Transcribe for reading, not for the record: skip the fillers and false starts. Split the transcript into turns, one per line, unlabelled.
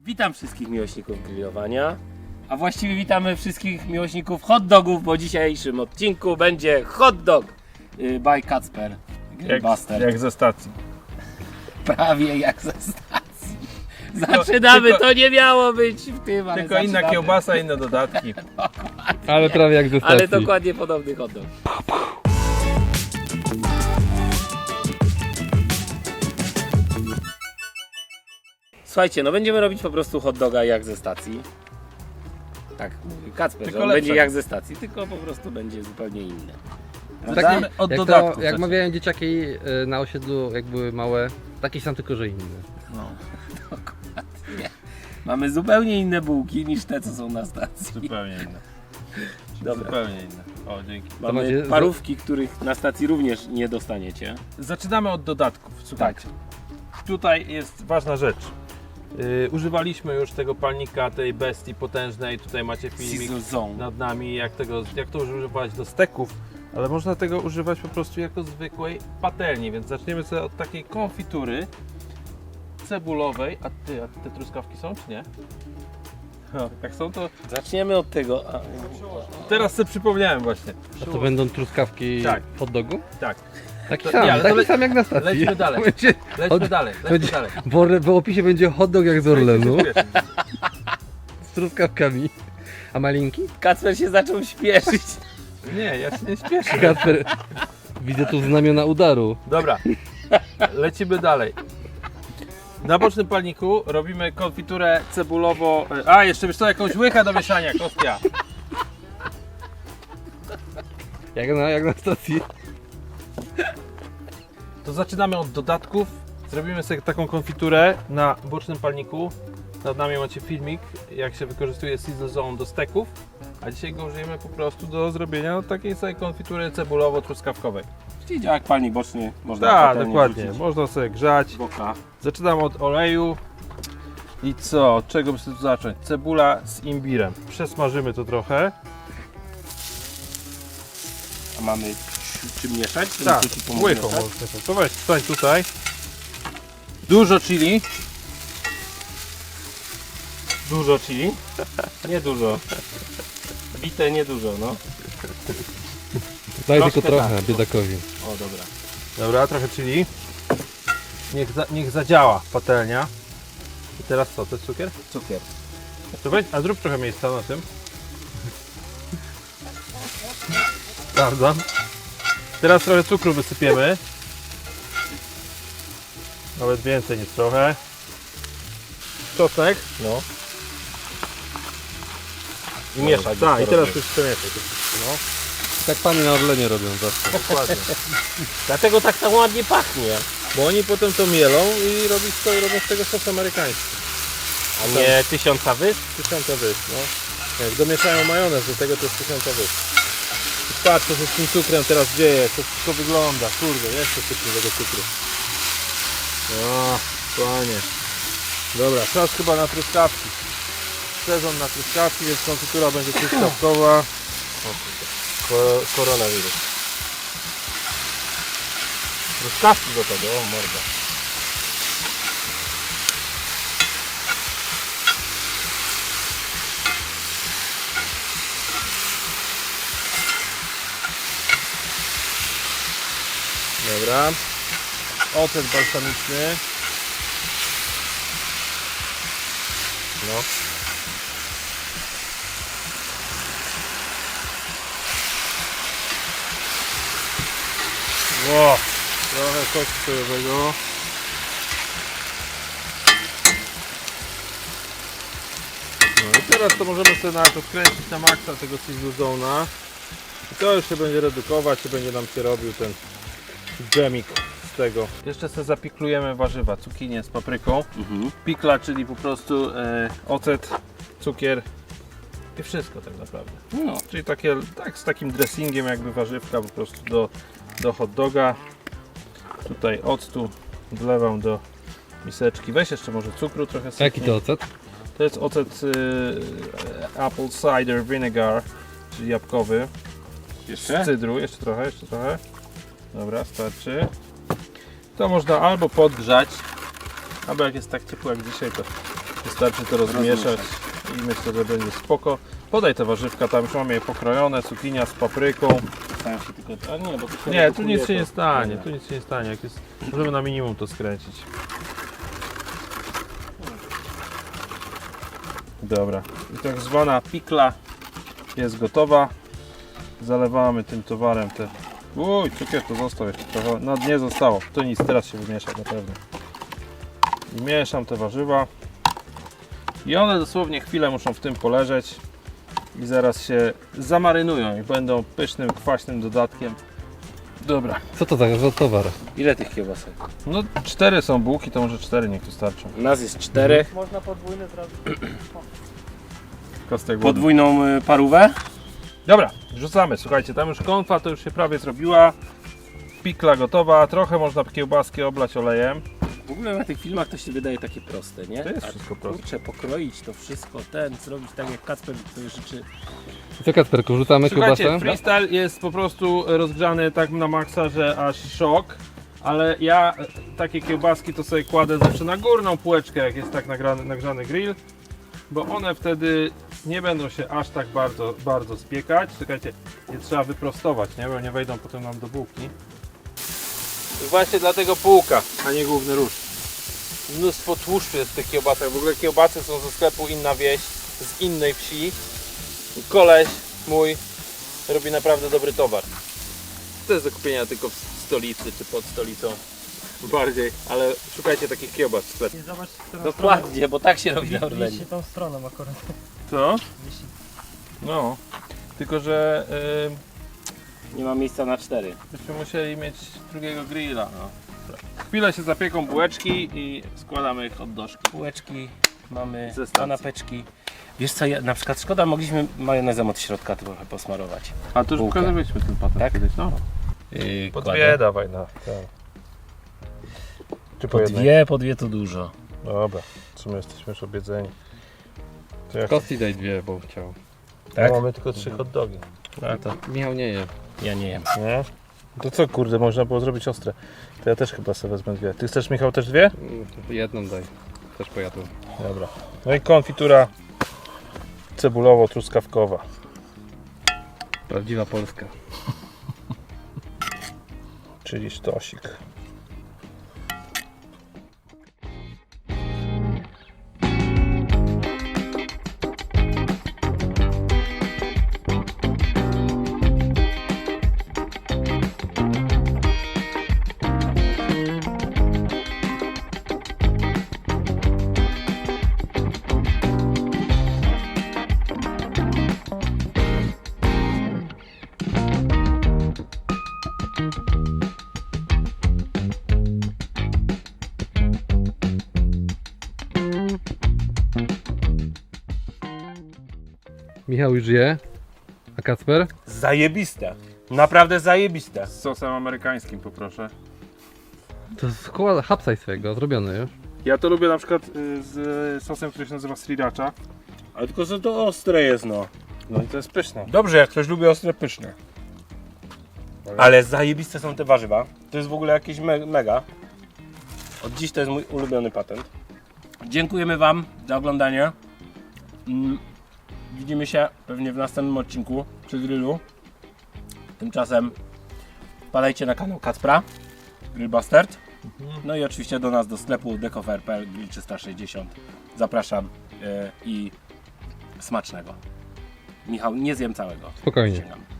Witam wszystkich miłośników grillowania, a właściwie witamy wszystkich miłośników hot dogów, bo w dzisiejszym odcinku będzie hot dog by Kacper Grillbuster.
Jak ze stacji.
Prawie jak ze stacji. Zaczynamy, to nie miało być w tym, ale
Tylko inna
zaczynamy.
kiełbasa, inne dodatki.
Ale prawie jak ze stacji.
Ale dokładnie podobny hot dog. Słuchajcie, no będziemy robić po prostu hot doga jak ze stacji. Tak mówi Kacper,
Tylko
że on będzie
lepszego.
jak ze stacji, tylko po prostu będzie zupełnie inny.
Zaczniemy od
jak
dodatków.
jak mawiają dzieciaki na osiedlu, jak były małe, takie sam tylko, że inne.
No,
Dokładnie. Mamy zupełnie inne bułki niż te, co są na stacji.
zupełnie inne.
Dobra.
Zupełnie inne. O, dzięki.
Mamy
macie-
parówki, których na stacji również nie dostaniecie.
Zaczynamy od dodatków. Słuchajcie. Tutaj jest ważna rzecz. Używaliśmy już tego palnika, tej bestii potężnej. Tutaj macie filmik
Sizzle Zone.
nad nami, jak to używać do steków. Ale można tego używać po prostu jako zwykłej patelni, więc zaczniemy sobie od takiej konfitury cebulowej. A te truskawki są, czy nie? No, jak są, to
Zaczniemy od tego.
teraz sobie przypomniałem właśnie.
A to będą truskawki
Tak.
w hot dogu?
Tak,
Taki
To-
sam,
nie, ale to
taki sam jak na stacji.
lećmy dalej.
Będzie,
lećmy dalej, lećmy
będzie-
dalej.
w opisie będzie hot dog jak z Orlenu, z truskawkami. A malinki?
Kacper się zaczął śpieszyć.
Nie, ja się nie śpieszę.
Kacper, widzę tu znamiona udaru.
Dobra, lecimy dalej. Na bocznym palniku robimy konfiturę cebulowo... A, jeszcze wiesz co, jakąś łychę do mieszania, kostia.
Jak na stacji.
To zaczynamy od dodatków. Zrobimy sobie taką konfiturę na bocznym palniku. Nad nami macie filmik, jak się wykorzystuje Sizzle Zone do steków. A dzisiaj go użyjemy po prostu do zrobienia takiej sobie konfitury cebulowo-truskawkowej.
Czyli działa jak palnik boczny. Można
Tak,
patelnię
dokładnie.
wrzucić
Można sobie grzać.
w boka.
Zaczynam od oleju. I co? Od czego by sobie tu zacząć? Cebula z imbirem. Przesmażymy to trochę.
A mamy czym mieszać? Czy
Tak,
ci pomóc
łychą
mieszać?
można. To weź, stań tutaj. Dużo chili. Dużo chili.
Nie dużo. Bite nie dużo, no.
Daj
Troszkę
tylko trochę,
tak.
biedakowi.
O, dobra.
Dobra, trochę chili. Niech zadziała patelnia. I teraz co? To jest cukier?
Cukier.
To weź, a zrób trochę miejsca na tym. Sprawdzam. Teraz trochę cukru wysypiemy. Nawet więcej niż trochę. Czosnek.
No. I mieszać.
Tak, i
to
teraz
robię.
już przemieszać. No,
Tak pani na Orlenie robią zawsze.
dokładnie.
Dlatego tak tam ładnie pachnie.
Bo oni potem to mielą i robią z tego sos amerykański.
A nie tysiąca wysp?
1000 wysp, no. Jak domieszają majonez do tego, to jest 1000 wysp. I patrz, co się z tym cukrem teraz dzieje, jak to wszystko wygląda. Kurde, jeszcze sypnę tego cukru. O, panie. Dobra, czas chyba na truskawki. Sezon na truskawki, więc konfitura będzie truskawkowa.
Koronawirus. Truskawki do tego, o morda.
Dobra. Ocet balsamiczny.
No.
Ło, trochę sosu sojowego. No i teraz to możemy sobie nawet odkręcić na maksa tego Sizzle Zone'a. I to już się będzie redukować i będzie nam się robił ten dżemik z tego. Jeszcze sobie zapiklujemy warzywa, cukinię z papryką. Pikla, czyli po prostu ocet, cukier i wszystko tak naprawdę.
No.
Czyli takie, tak z takim dressingiem jakby warzywka po prostu do hot doga. Tutaj octu wlewam do miseczki. Weź jeszcze może cukru trochę sypnij.
Jaki to ocet?
To jest ocet apple cider vinegar, czyli jabłkowy.
Jeszcze?
Z cydru, jeszcze trochę. Dobra, starczy. To można albo podgrzać, albo jak jest tak ciepło jak dzisiaj, to Wystarczy to rozmieszać i myślę, że będzie spoko. Podaj te warzywka, tam już mamy je pokrojone, cukinia z papryką.
Staram się tylko... A nie, bo to się
Nie, tu
redukuje,
nic się
to-
nie stanie,
Dobra.
tu nic się nie stanie. Jak jest, możemy na minimum to skręcić. Dobra, i tak zwana pikla jest gotowa. Zalewamy tym towarem te... Uj, cukier to został jeszcze trochę, no nie zostało, to nic, teraz się wymiesza na pewno. I mieszam te warzywa. I one dosłownie chwilę muszą w tym poleżeć. I zaraz się zamarynują i będą pysznym, kwaśnym dodatkiem. Dobra.
Co to za towar?
Ile tych kiełbasek?
No 4 są bułki, to może 4 niech tu starczą.
U nas jest 4.
Można podwójny zrobić.
Kostek wody.
Podwójną parówę.
Dobra, rzucamy. Słuchajcie, tam już konfa to już się prawie zrobiła. Pikla gotowa, trochę można kiełbaski oblać olejem.
W ogóle na tych filmach to się wydaje takie proste, nie?
To jest
A
wszystko proste.
Kurczę, pokroić to wszystko, zrobić tak jak Kacper sobie życzy.
Co Kacperku, rzucamy
Słuchajcie,
kiełbasę?
freestyle jest po prostu rozgrzany tak na maksa, że aż szok. Ale ja takie kiełbaski to sobie kładę zawsze na górną półeczkę, jak jest tak nagrzany grill. Bo one wtedy nie będą się aż tak bardzo spiekać. Czekajcie, je trzeba wyprostować, nie? Bo nie wejdą potem nam do bułki. I właśnie dlatego półka, a nie główny róż. Mnóstwo tłuszczu jest w tych kiełbasach. W ogóle kiełbasy są ze sklepu Inna Wieś, z innej wsi. Koleś mój robi naprawdę dobry towar. To jest do kupienia tylko w stolicy czy pod stolicą. Bardziej, ale szukajcie takich kiełbas w sklepie.
I zobacz, którą
Dokładnie, bo tak się robi na
stronę.
Orlenie.
Wisi tą stroną akurat.
Co?
Wisi.
No. Tylko, że
Nie ma miejsca na 4.
byśmy musieli mieć drugiego grilla. No. Chwilę się zapieką bułeczki i składamy ich od doszki.
Półeczki, mamy
Ze stacji.
kanapeczki. Wiesz co, na przykład szkoda, mogliśmy majonezem od środka trochę posmarować.
A to już
Bułkę.
pokazywaliśmy ten patent
Tak?
kiedyś. No. Po dwie dawaj na. Czy po jednej?
Po dwie to dużo.
Dobra, w sumie jesteśmy już obiedzeni. To jak
Kosti daj 2, bo chciał.
Tak?
mamy tylko 3 hot dogi.
No to
Michał nie je.
ja nie jem.
Nie? To co kurde, można było zrobić ostre. To ja też chyba sobie wezmę 2. Ty chcesz, Michał, też 2?
Jedną daj. Też pojadłem.
Dobra. No i konfitura cebulowo-truskawkowa.
Prawdziwa Polska.
Czyli sztosik.
Michał już je. A Kacper?
Zajebiste. Naprawdę zajebiste.
Z sosem amerykańskim poproszę.
To jest koła hapsaj swojego, zrobione już.
Ja to lubię na przykład z sosem, który się nazywa sriracha.
Ale tylko że to ostre jest, no.
No i to jest pyszne.
Dobrze, jak ktoś lubi ostre, pyszne. Ale zajebiste są te warzywa. To jest w ogóle jakieś mega. Od dziś to jest mój ulubiony patent. Dziękujemy Wam za oglądanie. Widzimy się pewnie w następnym odcinku przy grillu. Tymczasem wpadajcie na kanał Kacpra, Grill Bastard. No i oczywiście do nas do sklepu decofer.pl, grill 360. Zapraszam i smacznego. Michał, nie zjem całego.
Spokojnie.
Przysięgam.